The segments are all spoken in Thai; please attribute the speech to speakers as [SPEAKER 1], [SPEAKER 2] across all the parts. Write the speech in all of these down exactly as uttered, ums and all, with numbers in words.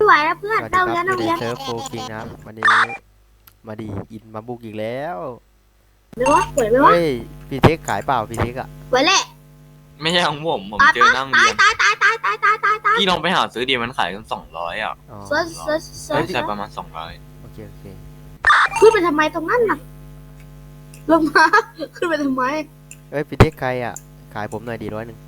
[SPEAKER 1] ไหวแล้วเพื่อนเต้าเรียนเต้าเรียน
[SPEAKER 2] เซิร์ฟโฟคิงนะครับวันนี้มาดีอินมาบุกอีกแล้ว
[SPEAKER 1] ไหมวะไหวไหมวะ
[SPEAKER 2] เฮ้ยพี่เทคขายเปล่าพี่เทคอะ
[SPEAKER 1] ไหวแหละ
[SPEAKER 3] ไม่ใช่ของผมผม
[SPEAKER 1] ตาย
[SPEAKER 3] เจอหน้าโรง
[SPEAKER 1] ตาย
[SPEAKER 3] เรียน
[SPEAKER 1] ตายตายตายตายตายตายตาย
[SPEAKER 3] พี่ลองไปหาซื้อดีมันขายกันสองร้อยอ่ะ
[SPEAKER 2] อ๋อ
[SPEAKER 1] เซิร์ชเซิร์ชเซิ
[SPEAKER 3] ใช่
[SPEAKER 1] ร์ช
[SPEAKER 3] ใช่ประมาณสองร้อย
[SPEAKER 2] โอเคโอเค
[SPEAKER 1] ขึ้นไปทำไมตรงนั้นน่ะลงมาขึ้นไปทำไม
[SPEAKER 2] เฮ้ยพี่เทคใครอะขายผมหน่อยดีร้อยหนึ่ง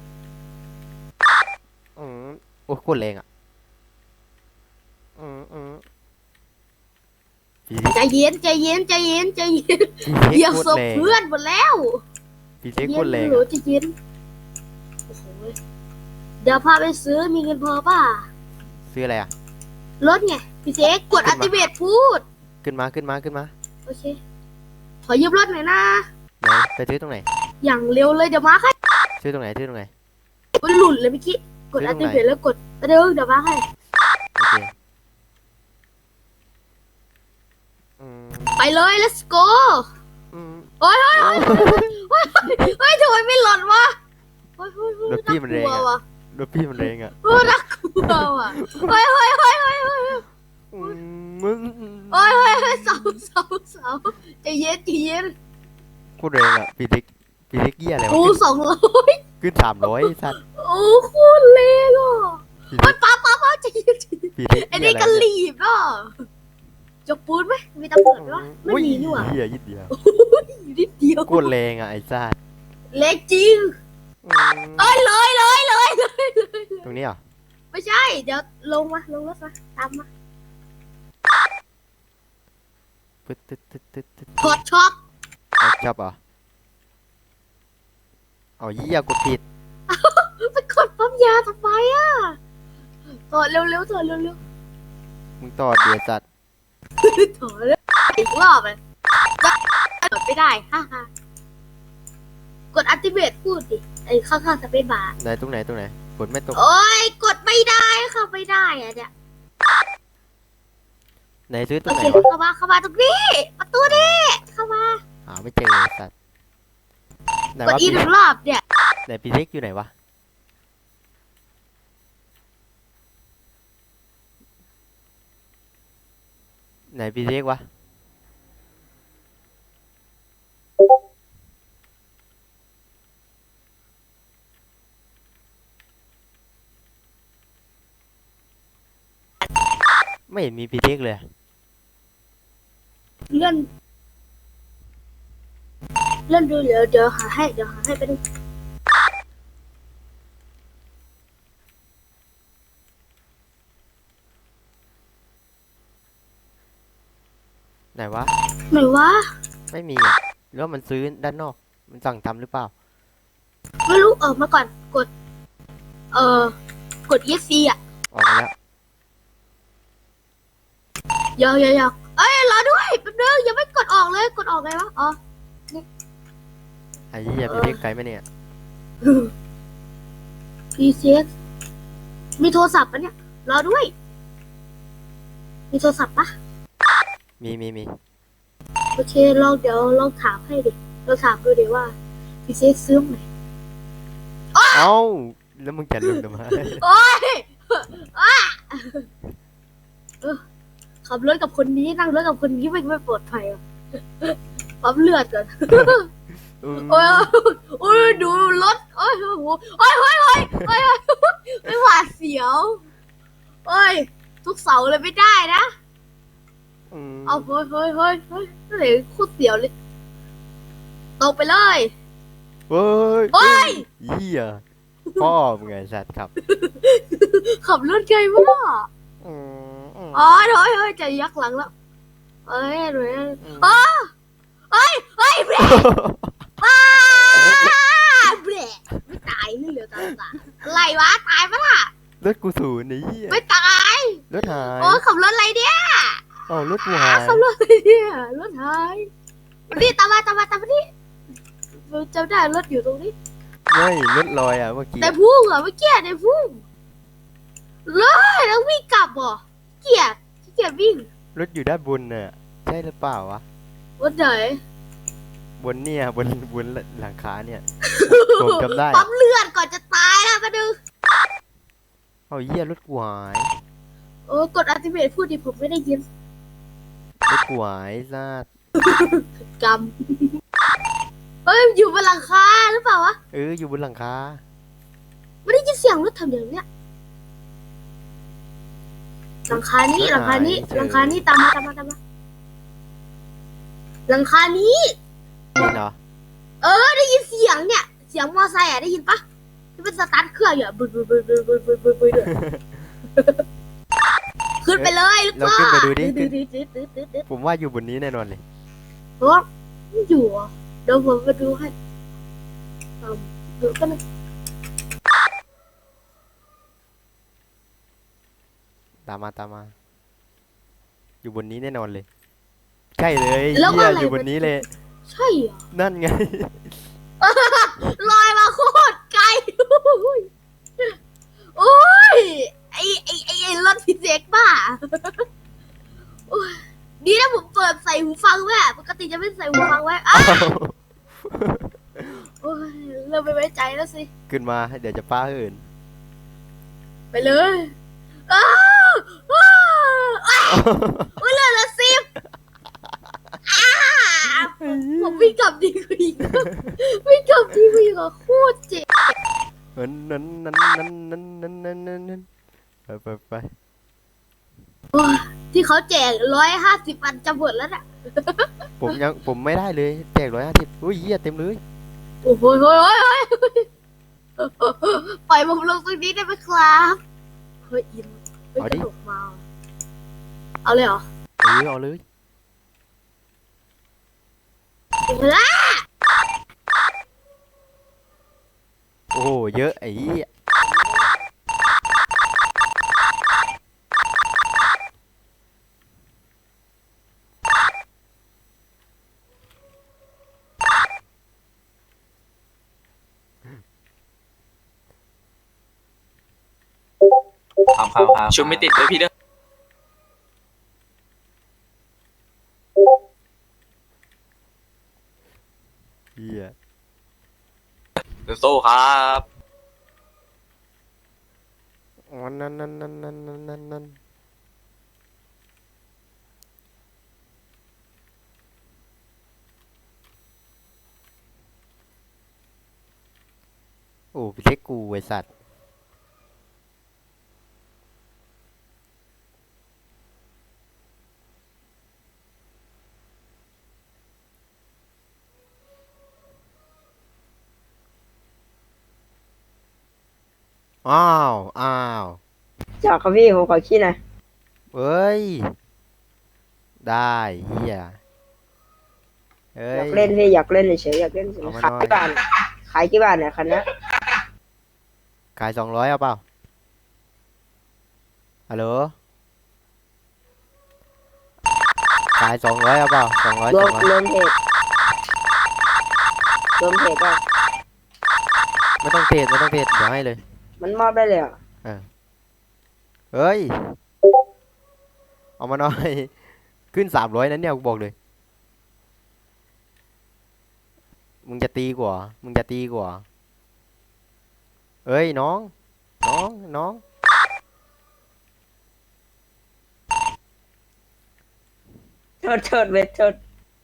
[SPEAKER 2] อืมโอ้โคตรแรงอะอืมอืมพี่เทค
[SPEAKER 1] ใจเย็นใจเย็นใจเย็นใจเย็น
[SPEAKER 2] พี่เทค
[SPEAKER 1] เหยียบ
[SPEAKER 2] โค
[SPEAKER 1] ศ
[SPEAKER 2] ตร
[SPEAKER 1] พ
[SPEAKER 2] แรง
[SPEAKER 1] เพื่อนหมดแล้ว
[SPEAKER 2] พี่เทคโคตรแรง
[SPEAKER 1] หนู
[SPEAKER 2] อะ
[SPEAKER 1] ใจเย็นโอ้โหเดี๋ยวพาไปซื้อมีเงินพอป่ะ
[SPEAKER 2] ซื้ออะไรอะ
[SPEAKER 1] รถไงพี่เซ็กกดอัติเบตพูด
[SPEAKER 2] ขึ้นมาขึ้นมาขึ้นมา
[SPEAKER 1] โอเคขอยืมรถหน่อยนะ
[SPEAKER 2] ไหนไปซื้อตรงไหน
[SPEAKER 1] อย่างเร็วเลยเดี๋ยวมาให้
[SPEAKER 2] ซื้อตรงไหนซื้อตรงไหน
[SPEAKER 1] มันหลุดเลยเมื่อกี้กด
[SPEAKER 2] ซื้
[SPEAKER 1] อั
[SPEAKER 2] อตร
[SPEAKER 1] ติ
[SPEAKER 2] งไหน
[SPEAKER 1] เบตแล้วกดเดี๋ยวเดี๋ยวมาให้
[SPEAKER 2] โอเคอืม
[SPEAKER 1] ไปเลย let's go
[SPEAKER 2] อืม
[SPEAKER 1] โอ้ยเฮ้ยเฮ้ยเฮ้ยทำไมไม่หล่นวะเฮ้ยเฮ้ยเฮ้ย
[SPEAKER 2] รถพี่มันแรง
[SPEAKER 1] น่ากลัว
[SPEAKER 2] อะ
[SPEAKER 1] ว่ะ
[SPEAKER 2] รถพี่มันแรงอะ
[SPEAKER 1] เออน่ากลัวว่ะเฮ้ยเฮ้ยเฮ้ยเฮ้ยเฮ้ย
[SPEAKER 2] อืมมึง
[SPEAKER 1] เฮ้ยเฮ้ยเฮ้ยเสาเสาเสาใจเย็นใจเย็น
[SPEAKER 2] โคตรแรงอะพี่เล็กพี่เล็กเยี่ยอะไรวะ
[SPEAKER 1] โอ้
[SPEAKER 2] ขึ้น
[SPEAKER 1] สองร้อย
[SPEAKER 2] ขึ้นสามร้อยสัตว์
[SPEAKER 1] โอ้โคตรเลวอ่ะ
[SPEAKER 2] พี่
[SPEAKER 1] เฮ้
[SPEAKER 2] เล็
[SPEAKER 1] ย
[SPEAKER 2] ก
[SPEAKER 1] ป้าป้าป้าใจเย็นใจเย็น
[SPEAKER 2] พี่เล็ก
[SPEAKER 1] ไอ้
[SPEAKER 2] เยี่ย
[SPEAKER 1] นี่
[SPEAKER 2] อะไร
[SPEAKER 1] ก็
[SPEAKER 2] เนี่ย
[SPEAKER 1] รีบอ่ะจกปูนไหมมีตำรวจไหมวะไม่มีนี่หว่า
[SPEAKER 2] เหี้ยยิดเดียว
[SPEAKER 1] อยู่นิดเดียว
[SPEAKER 2] โคตรแรงอะไอ้สัตว์
[SPEAKER 1] เล็กจริง
[SPEAKER 2] อืม
[SPEAKER 1] เอ้ยเลยเลยเลยเลย
[SPEAKER 2] ตรงนี้เหรอ
[SPEAKER 1] ไม่ใช่ เดี๋ยวลงมาลงรถมาตามมา
[SPEAKER 2] ปึ๊ดตึ๊ดตึ๊ดตึ๊ดตึ๊ด
[SPEAKER 1] กดช็อป
[SPEAKER 2] เอาชอบเหรอเอาเยี่ยกดผิด
[SPEAKER 1] ไปกดปั๊มยาทำไมอ่ะถอดเร็วๆถอดเร็ว
[SPEAKER 2] มึงต่อเดือดจัด
[SPEAKER 1] ๆถอดเร็วอีกรอบเลยถอดไม่ได้ฮ่าฮ่ากดอัลติเมทพูดดิไอ้ข้างๆสเปซบาร์
[SPEAKER 2] ไหนตรงไหนตรงไหนฝนไม่ตก
[SPEAKER 1] โอ้ยกดไม่ได้เข้าไม่ได้อะเนี่ย
[SPEAKER 2] ไหนซื้อตร
[SPEAKER 1] โอง
[SPEAKER 2] ไหน
[SPEAKER 1] เคว
[SPEAKER 2] ะ
[SPEAKER 1] เข้ามาเข้ามาตรงนี้ประตูนี้เข้ามา
[SPEAKER 2] หาไม่เจอไอ้สัตว์ไหน
[SPEAKER 1] กด
[SPEAKER 2] วะ
[SPEAKER 1] อี
[SPEAKER 2] พี่
[SPEAKER 1] หนึ่งรอบเนี่ย
[SPEAKER 2] ไหนพี่เล็กอยู่ไหนวะไหนพี่เล็กวะไม่เห็นมีพี่เล็กเลย
[SPEAKER 1] เลื่อนเลื่อนดูเดี๋ยวเดี๋ยวหาให้เดี๋ยวหาให้ไปดู
[SPEAKER 2] ไหนวะ
[SPEAKER 1] ไหนวะ
[SPEAKER 2] ไม่มีอ่ะหรือว่ามันซื้อด้านนอก มันสั่งทำหรือเปล่า
[SPEAKER 1] ไม่รู้ออกมาก่อนกด เอ่อกด e ีอ่ะ
[SPEAKER 2] ออกมาแล้ว
[SPEAKER 1] ยาวยาวยาวเอ้ยรอด้วยแป๊บนึงยังไม่กดออกเลยกดออกไงวะอ๋อ
[SPEAKER 2] ไอ้เหี้ยพี่เล็กไกลไหมเนี่ย
[SPEAKER 1] พีเซ็กมีโทรศัพท์ปะเนี่ยรอด้วย มีโทรศัพท์ปะ
[SPEAKER 2] มีมีมี
[SPEAKER 1] โอเคลองเดี๋ยวลองถามให้ดิเราถามดูดิว่าพีเซ็กซื้อไหน
[SPEAKER 2] เอ้าแล้วมึงจะลืมทำไม
[SPEAKER 1] โอ้ยอ่ะเออขับรถกับคนนี้นั่งรถกับคนนี้ไม่ไม่ปลอดภัยอ่ะปั๊มเลือดก่อน
[SPEAKER 2] อืม
[SPEAKER 1] โอ้ยโอ้ยดูรถโอ้ยโอ้โหโอ้ยโอ้ยโอ้ยโอ้ยไม่หวาดเสียวโอ้ยทุกเสาเลยไม่ได้นะ
[SPEAKER 2] อืม
[SPEAKER 1] เอาเฮ้ยเฮ้ยเฮ้ยเฮ้ยนั่นเลยโคตรเสียวเลยตกไปเลย
[SPEAKER 2] เฮ้ย
[SPEAKER 1] โอ้ย
[SPEAKER 2] เหี้ยพ่อมึงไงสัตว์ครับ
[SPEAKER 1] ขับรถไกลมาก
[SPEAKER 2] อืมอืม
[SPEAKER 1] อ๋อเฮ้ยเฮ้ยใจยักหลังแล้วเอ้ยเฮ้ย
[SPEAKER 2] อืม
[SPEAKER 1] อ๋อเฮ้ยเฮ้ยเบรกอ้าเบรกไม่ตายนี่เหลือตาตาอะไรวะตายปะล่ะ
[SPEAKER 2] รถกูศูนย์นี่เหี้ย
[SPEAKER 1] ไม่ตาย
[SPEAKER 2] รถหาย
[SPEAKER 1] โอ้ยขับรถอะไรเนี่ย
[SPEAKER 2] เอ้ารถกูหาย
[SPEAKER 1] ขับรถอะไรเนี่ยรถหายมาดิตามมาตามมาตามมาดิจำได้รถอยู่ตรงนี้
[SPEAKER 2] ไม่รถลอยอ่ะเมื่อกี้
[SPEAKER 1] แต่พุ่งเหรอเมื่อกี้ในพุ่งเลยแล้ววิ่งกลับเหรอเกียดเกียดวิ่ง
[SPEAKER 2] รถอยู่ด้านบนน่ะใช่หรือเปล่าวะ
[SPEAKER 1] วันไหน
[SPEAKER 2] บนเนี่ยบนบนหลังคาเนี่ยผมจำได้
[SPEAKER 1] ปั๊
[SPEAKER 2] อะ
[SPEAKER 1] มเลือดก่อนจะตายแล้วมาดู
[SPEAKER 2] เอาเหี้ยรถกูหาย
[SPEAKER 1] โอ้กดอัลติเมทพูดดิผมไม่ได้ยิน
[SPEAKER 2] ไม่กลัวไอ้สัตว์
[SPEAKER 1] กรรมเฮ้ยอยู่บนหลังคาหรือเปล่าวะ
[SPEAKER 2] เอออยู่บนหลังคา
[SPEAKER 1] ไม่ได้ยินเสียงรถทำอย่างเนี้ยหลังคานี้หลังคานี้หลังคานี้ตามมาตามมาตามมาหลังคานี้
[SPEAKER 2] นี่เนาะ
[SPEAKER 1] เออได้ยินเสียงเนี่ยเสียงมอไซค์อ่ะได้ยินปะที่เป็นสตาร์ทเครื่องอยู่บึ้นบึ้นบึ้นบึ้นบึ้นบึ้นบึ้นบึ้นขึ้นไปเลยลูก
[SPEAKER 2] เรา
[SPEAKER 1] พ่อ
[SPEAKER 2] ขึ้นไปดูดิ
[SPEAKER 1] ดืดดืดดืดดืดดืดดืด
[SPEAKER 2] ผมว่าอยู่บนนี้แน่นอนเลย
[SPEAKER 1] เพราะว่าไม่อยู่อ่ะเดี๋ยวผมมาดูให้อืมดูกันนะ
[SPEAKER 2] ตามมาตามมา อยู่บนนี้แน่นอนเลย ใช่เลย
[SPEAKER 1] แล้ว
[SPEAKER 2] เหี้
[SPEAKER 1] ว่าย อะไร
[SPEAKER 2] อยู่บนนี้เลย
[SPEAKER 1] ใช่เหรอ
[SPEAKER 2] นั่นไง
[SPEAKER 1] ลอยมาโคตรไกลโอ้ยโอ้ยไอไอไอไอรถพิเศษบ้าโอ้ยดีนะผมเปิดใส่หูฟังไว้อะปกติจะไม่ใส่หูฟังไว้อ้าวโอ้ยเริ่มไม่ไว้ใจแล้วสิ
[SPEAKER 2] ขึ้นมาเดี๋ยวจะป้าอื่น
[SPEAKER 1] ไปเลยอ้าวอ้าวอ้าวโอ้ยเหลือละสิบอ้าวผมวิ่งกลับดีกว่าอีกวิ่งกลับดีกว่าอีกอะโคตรเจ็บ
[SPEAKER 2] นั้นนั้นนั้นนั้นนั้นนั้นนั้นนั้นนั้นไปไปไป
[SPEAKER 1] โอ้ยที่เขาแจกร้อยห้าสิบอันจะหมดแล้วน่ะ
[SPEAKER 2] ผมยังผมไม่ได้เลยแจกร้อยห้าสิบอุ้ยเหี้ยเต็มเลย
[SPEAKER 1] โอ้โหโอ้ยโอ้ยโอ้ยปล่อยผมลงตรงนี้ได้ไหมครับเฮ้ยอินไม่กระโดดมาเอาเลยเหรอ
[SPEAKER 2] เออเอาเลย
[SPEAKER 1] อ้า
[SPEAKER 2] โอ้โหเยอะไอ้เหี้ย
[SPEAKER 3] ครับครับครับชุดไม่ติดเลยพี่เด้อ
[SPEAKER 2] เหี้ย
[SPEAKER 3] โซ่ครับ
[SPEAKER 2] อ๋อนั่นนั่นนั่นนั่นนั่นนั่นนั่นโอ้พี่เล็กกูไอสัตว์อ้าวอ้าว
[SPEAKER 4] จอกครับพี่ผมขอขี้หน่อย
[SPEAKER 2] เอ้ย ได้เฮียเอ้
[SPEAKER 4] อย ยากเล่นพี่อยากเล่นเฉยๆอยากเล่นเฉย
[SPEAKER 2] เอามา
[SPEAKER 4] ๆขาย
[SPEAKER 2] หน่อย
[SPEAKER 4] กี่บาทขายกี่บาทเนี่ยคันเนี้ย
[SPEAKER 2] ขายสองร้อยเอาเปล่าฮัลโหลขายสองร้อยเอาเปล่าสองร้อย
[SPEAKER 4] ร
[SPEAKER 2] ส
[SPEAKER 4] ว
[SPEAKER 2] อ
[SPEAKER 4] ม
[SPEAKER 2] งร้อย
[SPEAKER 4] รวมเพจรวมเพจป่ะ
[SPEAKER 2] ไม่ต้องเทรดไม่ต้องเทรดเดี๋ยวให้เลย
[SPEAKER 4] มันมอบได้เลยเหรอ
[SPEAKER 2] เฮ้ย เอามาหน่อย ขึ้นสามร้อยนั้นเนี่ยกูบอกเลย มึงจะตีกว่า มึงจะตีกว่า เอ้ยน้อง น้อง น้อง
[SPEAKER 4] โทษโทษเวทโทษ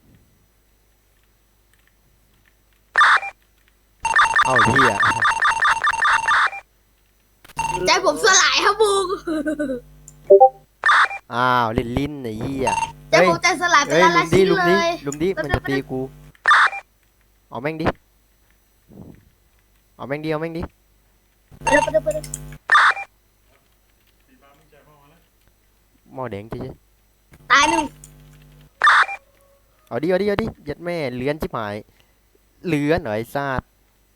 [SPEAKER 2] เอ้าเหี้ย
[SPEAKER 1] ใจผมสลายครับบุง
[SPEAKER 2] อ้าวลิ้นลิ้นไอ้เหี้ย
[SPEAKER 1] ใจ
[SPEAKER 2] เฮ้ย
[SPEAKER 1] ผมใจสลายเป็น
[SPEAKER 2] เอ้ย
[SPEAKER 1] ละ
[SPEAKER 2] ลุ
[SPEAKER 1] ละ
[SPEAKER 2] มดิ
[SPEAKER 1] ชิ้น
[SPEAKER 2] ลุม
[SPEAKER 1] เล
[SPEAKER 2] ดิ
[SPEAKER 1] ย
[SPEAKER 2] ลุมดิ
[SPEAKER 1] แป๊บ
[SPEAKER 2] มัน
[SPEAKER 1] ๆ
[SPEAKER 2] จะตีกู เอาแม่งดิ เอาแม่งดิ เอาแม่งดิ
[SPEAKER 1] ไปเลยไปเลยไปเลย
[SPEAKER 2] หม้อแดงจริง
[SPEAKER 1] ตายหนึ่ง
[SPEAKER 2] ๆเอาดิ เอาดิ เอาดิยัดแม่เลื้อนชิบหาย เลื้อนเหรอไอ้ซาด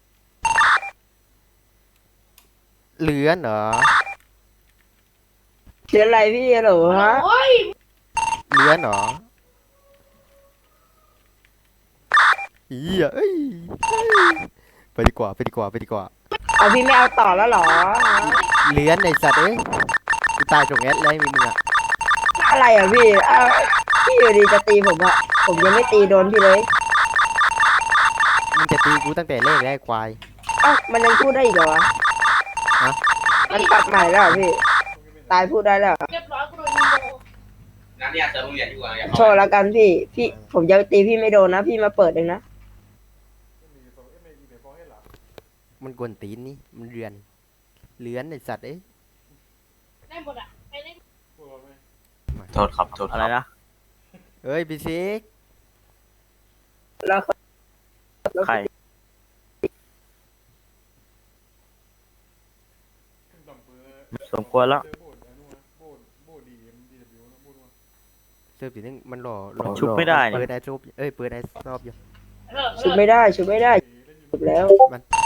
[SPEAKER 2] เลื้อนเหรอ
[SPEAKER 4] เสียอะไรพี่ฮัลโหลฮะ
[SPEAKER 2] เลื้อนเหรอเหี้ยเอ้ยเอ้ยไปดีกว่า ไปดีกว่า ไปดีกว่า
[SPEAKER 4] เอาพี่ไม่เอาต่อแล้วเหรอ
[SPEAKER 2] เลื้อนไอ้สัตว์เอ้ยกูตายตรงแอดเลยมีมึงอะ
[SPEAKER 4] อะไรอ่ะพี่เอาพี่อยู่ดีจะตีผมอ่ะผมยังไม่ตีโดนพี่เลย
[SPEAKER 2] มึงจะตีกูตั้งแต่แรกแล้วไอ้ควาย
[SPEAKER 4] เอ้ามันยังพูดได้อีกเหรอวะ
[SPEAKER 2] ฮะ
[SPEAKER 4] มันปรับใหม่แล้วเหรอพี่ ตายพูดได้แล้วเหรอ
[SPEAKER 1] เรียบร้อยกู
[SPEAKER 3] น้ำเนี่ยเจอโรงเรียนอยู่อ่ะ
[SPEAKER 4] โชว์แล้วกันพี่พี่ผมจะตีพี่ไม่โดนนะพี่มาเปิดเองนะ
[SPEAKER 2] มันกวนตีนนี่มันเรือนเลื้อนไอสัตว์เอ้ย
[SPEAKER 1] ได้หมดอ่ะไปเล่น
[SPEAKER 3] โทษครับโทษ
[SPEAKER 5] อะไรนะ
[SPEAKER 2] เอ้ยพี่ซิก
[SPEAKER 4] แล้ว
[SPEAKER 5] ใคร สมควรแล้ว
[SPEAKER 2] เสิร์ฟทีนึงมันหล่อหล่อ
[SPEAKER 5] ชุบไม่ได้นี่
[SPEAKER 2] เปิดไอซูบเอ้ยเปิดไอซอบอยู่
[SPEAKER 4] ชุบไม่ได้ชุบไม่ได้ชุบแล้ว
[SPEAKER 2] มัน